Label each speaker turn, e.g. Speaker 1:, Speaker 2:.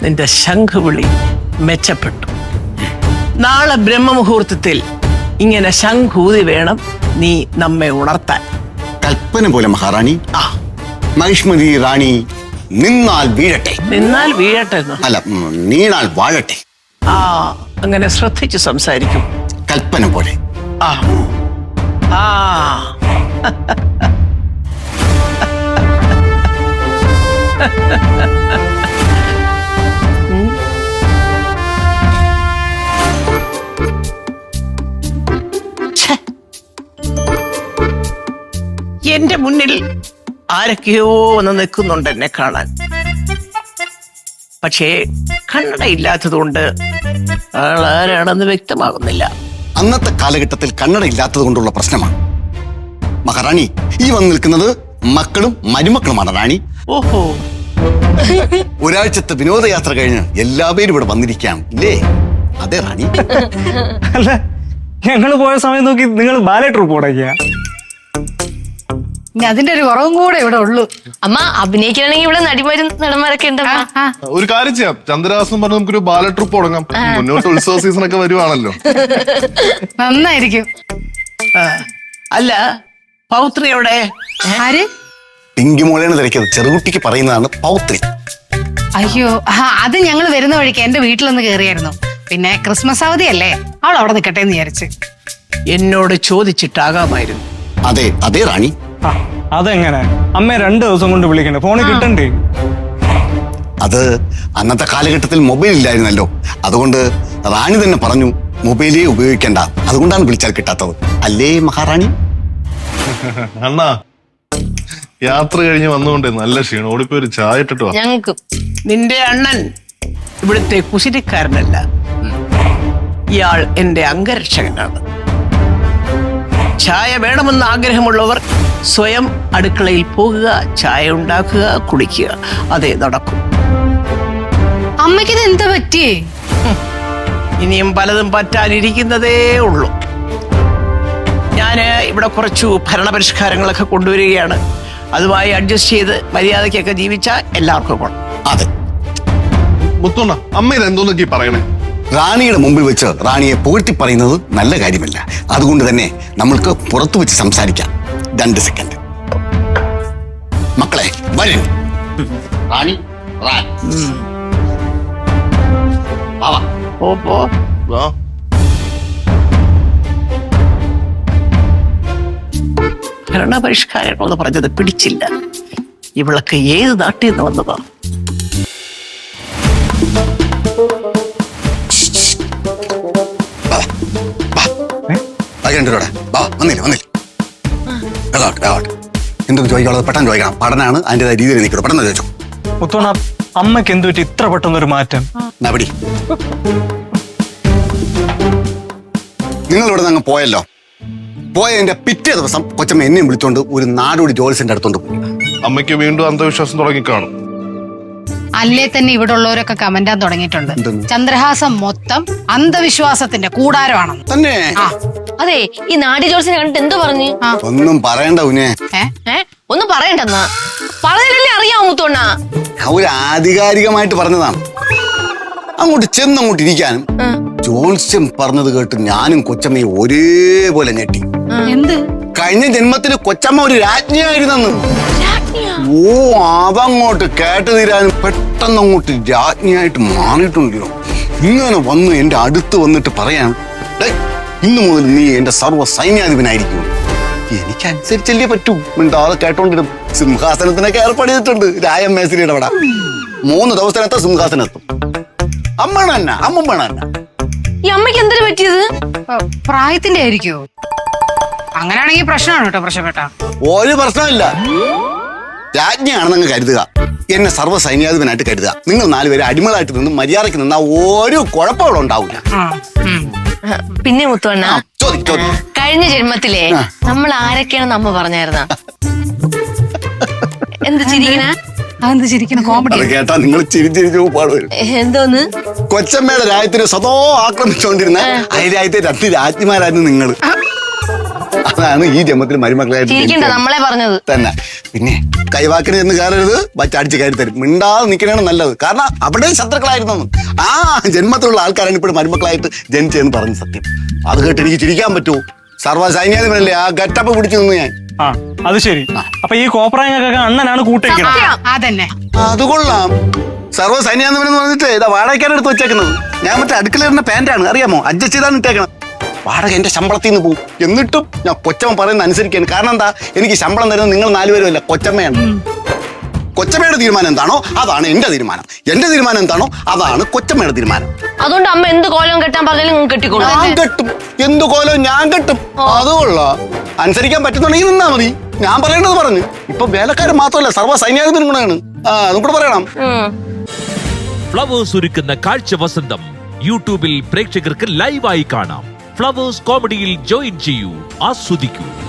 Speaker 1: നിന്റെ ശംഖുവിളി മെച്ചപ്പെട്ടു. നാളെ ബ്രഹ്മമുഹൂർത്തത്തിൽ ഇങ്ങനെ ശംഖൂതി വേണം നീ നമ്മെ ഉണർത്താൻ.
Speaker 2: കൽപ്പന പോലെ മഹാറാണി. മഹിഷ്മതി റാണി നിന്നാൽ വീഴട്ടെ.
Speaker 1: നിന്നാൽ വീഴട്ടെ
Speaker 2: അല്ല, നീണാൽ വാഴട്ടെ.
Speaker 1: അങ്ങനെ ശ്രദ്ധിച്ച് സംസാരിക്കും.
Speaker 2: കൽപ്പന പോലെ.
Speaker 1: എന്റെ മുന്നിൽ ആരൊക്കെയോ വന്ന് നിൽക്കുന്നുണ്ട് എന്നെ കാണാൻ. പക്ഷേ കണ്ണടയില്ലാത്തതുകൊണ്ട് ആളാരാണെന്ന് വ്യക്തമാകുന്നില്ല.
Speaker 2: അന്നത്തെ കാലഘട്ടത്തിൽ കണ്ണട ഇല്ലാത്തത് കൊണ്ടുള്ള പ്രശ്നമാണ് മഹാറാണി. ഈ വന്ന് നിൽക്കുന്നത് മക്കളും മരുമക്കളുമാണ് റാണി.
Speaker 1: ഓഹോ,
Speaker 2: ഒരാഴ്ചത്തെ വിനോദയാത്ര കഴിഞ്ഞ് എല്ലാവരും ഇവിടെ വന്നിരിക്കാം ഇല്ലേ? അതെ റാണി.
Speaker 3: അല്ല, ഞങ്ങള് പോയ സമയം നോക്കി നിങ്ങൾ ബാലെ ട്രൂപ്പ് തുടങ്ങിയ.
Speaker 4: അതിന്റെ ഒരു കുറവും കൂടെ ഇവിടെ ഉള്ളൂ.
Speaker 5: അമ്മ അഭിനയിക്കണമെങ്കിൽ ഇവിടെ നടിമാരും നടന്മാരൊക്കെ ഉണ്ട്.
Speaker 6: ഒരു കാര്യം ചെയ്യാം, ചന്ദ്രഹാസം പറഞ്ഞ് നമുക്കൊരു ബാല ട്രിപ്പ് തുടങ്ങാം. മുന്നോട്ട് ഉത്സവ സീസൺ ഒക്കെ വരുവാണല്ലോ.
Speaker 4: നന്നായിരിക്കും.
Speaker 1: അല്ല, പൗത്രി എവിടെ?
Speaker 4: ആര്?
Speaker 2: പിങ്കി മോളേന്ന് തിരക്കിയത് ചെറുകുട്ടിക്ക് പറയുന്നതാണ് പൗത്രി.
Speaker 4: അയ്യോ, അത് ഞങ്ങൾ വരുന്ന വഴിക്ക് എന്റെ വീട്ടിലൊന്ന് കേറിയായിരുന്നു. പിന്നെ ക്രിസ്മസ് അവധിയല്ലേ, അവൾ അവിടെ നിൽക്കട്ടെ എന്ന് വിചാരിച്ച്.
Speaker 1: എന്നോട് ചോദിച്ചിട്ടാകാമായിരുന്നു.
Speaker 2: അതെ അതെ റാണി.
Speaker 3: അതെങ്ങനെ അമ്മ 2 ദിവസം കൊണ്ട് വിളിക്കണ്ടേ? ഫോണിൽ കിട്ടണ്ടേ?
Speaker 2: അത് അന്നത്തെ കാലഘട്ടത്തിൽ മൊബൈൽ ഇല്ലായിരുന്നല്ലോ. അതുകൊണ്ട് റാണി തന്നെ പറഞ്ഞു മൊബൈലേ ഉപയോഗിക്കണ്ട. അതുകൊണ്ടാണ് വിളിച്ചാൽ കിട്ടാത്തത്. അല്ലേ മഹാറാണി?
Speaker 6: അണ്ണാ, യാത്ര കഴിഞ്ഞ് വന്നുകൊണ്ടേ നല്ല ക്ഷീണം. ഓടിപ്പോയി ഒരു ചായ ഇട്ടിട്ട് വാ.
Speaker 5: ഞങ്ങൾക്കും.
Speaker 1: നിന്റെ അണ്ണൻ ഇവിടുത്തെ കുശിരിക്കാരനല്ല. ഇയാൾ എന്റെ അംഗരക്ഷകനാണ്. ചായ വേണമെന്ന് ആഗ്രഹമുള്ളവർ സ്വയം അടുക്കളയിൽ പോകുക, ചായ ഉണ്ടാക്കുക, കുടിക്കുക. അതേ നടക്കും.
Speaker 4: അമ്മയ്ക്കിത് എന്താ പറ്റിയേ?
Speaker 1: ഇനിയും പലതും പറ്റാനിരിക്കുന്നതേ ഉള്ളൂ. ഞാന് ഇവിടെ കുറച്ചു ഭരണപരിഷ്കാരങ്ങളൊക്കെ കൊണ്ടുവരികയാണ്. അതുമായി അഡ്ജസ്റ്റ് ചെയ്ത് മര്യാദയ്ക്കൊക്കെ ജീവിച്ചാൽ എല്ലാവർക്കും കൊള്ളാം.
Speaker 2: അതെ.
Speaker 6: മുത്തോണ്ണ, അമ്മ ഇത് എന്തോന്നൊക്കെ പറയണേ?
Speaker 2: റാണിയുടെ മുമ്പിൽ വെച്ച് റാണിയെ പുകഴ്ത്തി പറയുന്നത് നല്ല കാര്യമല്ല. അതുകൊണ്ട് തന്നെ നമ്മൾക്ക് പുറത്തു വെച്ച് സംസാരിക്കാം. 2 സെക്കൻഡ്. മക്കളെ വരൂ. റാണി
Speaker 1: ഭരണപരിഷ്കാരങ്ങളെന്ന് പറഞ്ഞത് പിടിച്ചില്ല. ഇവളൊക്കെ ഏത് നാട്ടിൽ നിന്ന് വന്നതാ?
Speaker 2: എന്തൊക്കെ ചോദിക്കാനുള്ളത് പെട്ടെന്ന് ചോദിക്കണം. പഠനമാണ്, അതിൻ്റെതായ രീതിയിൽ നിൽക്കണം. പെട്ടെന്ന് ചോദിച്ചോ.
Speaker 3: മുത്തോണ, അമ്മയ്ക്ക് എന്ത് പറ്റി ഇത്ര പെട്ടെന്നൊരു മാറ്റം?
Speaker 2: നബടി, നിങ്ങൾ ഇവിടെ നിന്ന് പോയല്ലോ. പോയതിന്റെ പിറ്റേ ദിവസം കൊച്ചമ്മ എന്നെയും വിളിച്ചോണ്ട് ഒരു നാടോടി ജോലിസിന്റെ അടുത്തോണ്ട് പോയി.
Speaker 6: അമ്മയ്ക്ക് വീണ്ടും അന്ധവിശ്വാസം തുടങ്ങിക്കാണും.
Speaker 4: അല്ലേ തന്നെ ഇവിടെ ഉള്ളവരൊക്കെ കമന്റാൻ തുടങ്ങിയിട്ടുണ്ട്. ചന്ദ്രഹാസം മൊത്തം അന്ധവിശ്വാസത്തിന്റെ കൂടാരമാണെന്ന്
Speaker 2: തന്നെ.
Speaker 5: അതെ, ഈ നാടി ജോൾസിനെ കണ്ടിട്ട് എന്തോ പറഞ്ഞു?
Speaker 2: ഒന്നും പറയണ്ട ഉനെ.
Speaker 5: ഒന്നും പറയണ്ടെന്നാ പറഞ്ഞല്ലേ അറിയാമോ മുത്തോണ്ണ?
Speaker 2: ഒരു ആധികാരികമായിട്ട് പറഞ്ഞതാണ്. അങ്ങോട്ട് ചെന്നങ്ങോട്ട് ഇരിക്കാനും ജോത്സ്യം പറഞ്ഞത് കേട്ട് ഞാനും കൊച്ചമ്മയും ഒരേപോലെ ഞെട്ടി.
Speaker 4: എന്ത്?
Speaker 2: കഴിഞ്ഞ ജന്മത്തില് കൊച്ചമ്മ ഒരു രാജ്ഞിയായിരുന്നെന്ന്. ഓ, അതങ്ങോട്ട് കേട്ട് തീരാനും പെട്ടെന്ന് അങ്ങോട്ട് രാജ്ഞിയായിട്ട് മാറിയിട്ടുണ്ടല്ലോ. ഇങ്ങനെ വന്ന് എന്റെ അടുത്ത് വന്നിട്ട് പറയാൻ, ഇന്നു മുതൽ നീ എന്റെ സർവ്വ സൈന്യാധിപനായിരിക്കും. എനിക്കനുസരിച്ചല്ലേ പറ്റൂ. മിണ്ടാതെ കേട്ടോണ്ടിരുന്നു. സിംഹാസനത്തിനൊക്കെ ഏർപ്പാട് ചെയ്തിട്ടുണ്ട് രായം മേസരിയുടെ അവിടെ. 3 ദിവസത്തിനകത്ത് സിംഹാസനത്തും. അമ്മ തന്നെ.
Speaker 5: ഈ അമ്മയ്ക്ക് എന്തിനു പറ്റിയത്?
Speaker 4: പ്രായത്തിന്റെ ആയിരിക്കോ? അങ്ങനെയാണെങ്കിൽ പ്രശ്നമാണ് കേട്ടോ പ്രശ്നപ്പെട്ട.
Speaker 2: ഒരു പ്രശ്നമില്ല. രാജ്ഞിയാണെന്നങ്ങ് കരുതുക. എന്നെ സർവ്വ സൈന്യാധിപനായിട്ട് കരുതുക. നിങ്ങൾ 4 പേര് അടിമകളായിട്ട് നിന്ന് മര്യാദയ്ക്ക് നിന്നാ ഒരു കുഴപ്പങ്ങളും ഉണ്ടാവില്ല.
Speaker 5: പിന്നെ മുത്തോണ്ണ,
Speaker 2: ചോദിക്കും.
Speaker 5: കഴിഞ്ഞ ജന്മത്തിലെ നമ്മൾ ആരൊക്കെയാണെന്ന് അമ്മ പറഞ്ഞായിരുന്ന? എന്ത് ചിരിക്കണ?
Speaker 4: അതെന്ത് ചിരിക്കണ? കോമഡി
Speaker 2: കേട്ടാ നിങ്ങൾ ചിരിച്ചിരിച്ചു പാടുവരും.
Speaker 5: എന്തോന്ന്?
Speaker 2: കൊച്ചമ്മയുടെ രാജ്യത്തിന് സ്വതോ ആക്രമിച്ചുകൊണ്ടിരുന്ന അയൽ രാജ്യത്തെ 2 രാജ്ഞിമാരായിരുന്നു നിങ്ങൾ. അതാണ് ഈ ജന്മത്തിൽ മരുമക്കളായിട്ട്
Speaker 5: ചിരിക്കണ്ട
Speaker 2: ജനിച്ചത്.
Speaker 5: നമ്മളെ പറഞ്ഞത്.
Speaker 2: തന്നെ പിന്നെ കൈവാക്കിന് എന്ന് കയറരുത്, വച്ചടിച്ച് കയറി തരും. മിണ്ടാതെ നിൽക്കണതാണ് നല്ലത്. കാരണം അവിടെ ശത്രുക്കളായിരുന്നു. ആ ജന്മത്തിലുള്ള ആൾക്കാരാണ് ഇപ്പോൾ മരുമക്കളായിട്ട് ജനിച്ചതെന്ന് പറഞ്ഞ സത്യം. അത് കേട്ട് എനിക്ക് ചിരിക്കാൻ പറ്റുമോ? സർവ്വസൈന്യാധിപനല്ലേ ആ ഗട്ടപ്പ് പിടിച്ചു നിന്ന് ഞാൻ.
Speaker 3: ആ അത് ശരി. അപ്പൊ ഈ കോപ്രായങ്ങൾക്കൊക്കെ അണ്ണനാണ് കൂട്ടിരിക്കണം.
Speaker 4: അതന്നെ.
Speaker 2: അത് കൊള്ളാം. സർവ്വസൈന്യാധിപൻ എന്ന് പറഞ്ഞിട്ട് ഇതാ വാടകയ്ക്കാണ് എടുത്ത് വെച്ചേക്കുന്നത്. ഞാൻ മറ്റേ അടുക്കളയിരുന്ന പാന്റാണ്, അറിയാമോ? അഡ്ജസ്റ്റ് ചെയ്താണ് ഇട്ടേക്കണം. വാടക എന്റെ ശമ്പളത്തിൽ നിന്ന് പോകും. എന്നിട്ടും ഞാൻ കൊച്ചമ്മ പറയുന്ന അനുസരിക്കാണ്. കാരണം എന്താ? എനിക്ക് ശമ്പളം തരുന്നത് നിങ്ങൾ 4 പേരും അല്ല, കൊച്ചമ്മയാണ്. കൊച്ചമ്മയുടെ തീരുമാനം എന്താണോ അതാണ് എന്റെ തീരുമാനം. എന്റെ തീരുമാനം എന്താണോ അതാണ് കൊച്ചമ്മയുടെ തീരുമാനം.
Speaker 5: അതുകൊണ്ട് അമ്മ എന്ത് കോലം കെട്ടാൻ പറഞ്ഞാലും നിങ്ങൾ കെട്ടിക്കോളൂ.
Speaker 2: ഞാൻ കെട്ടും. എന്തു കോലം ഞാൻ കെട്ടും. അതുകൊള്ള അനുസരിക്കാൻ പറ്റുന്നുണ്ടെങ്കിൽ നിന്നാ മതി. ഞാൻ പറയേണ്ടത് പറഞ്ഞു. ഇപ്പൊ വേലക്കാരൻ മാത്രമല്ല, സർവ്വ സൈന്യാധിപനും കൂടെയാണ്. അതും കൂടെ പറയണം.
Speaker 7: ഫ്ലവേഴ്സ് ഒരുക്കുന്ന കാഴ്ച വസന്തം യൂട്യൂബിൽ പ്രേക്ഷകർക്ക് ലൈവായി കാണാം. ഫ്ലവേഴ്സ് കോമഡിയിൽ ജോയിൻ ചെയ്യൂ, ആസ്വദിക്കൂ.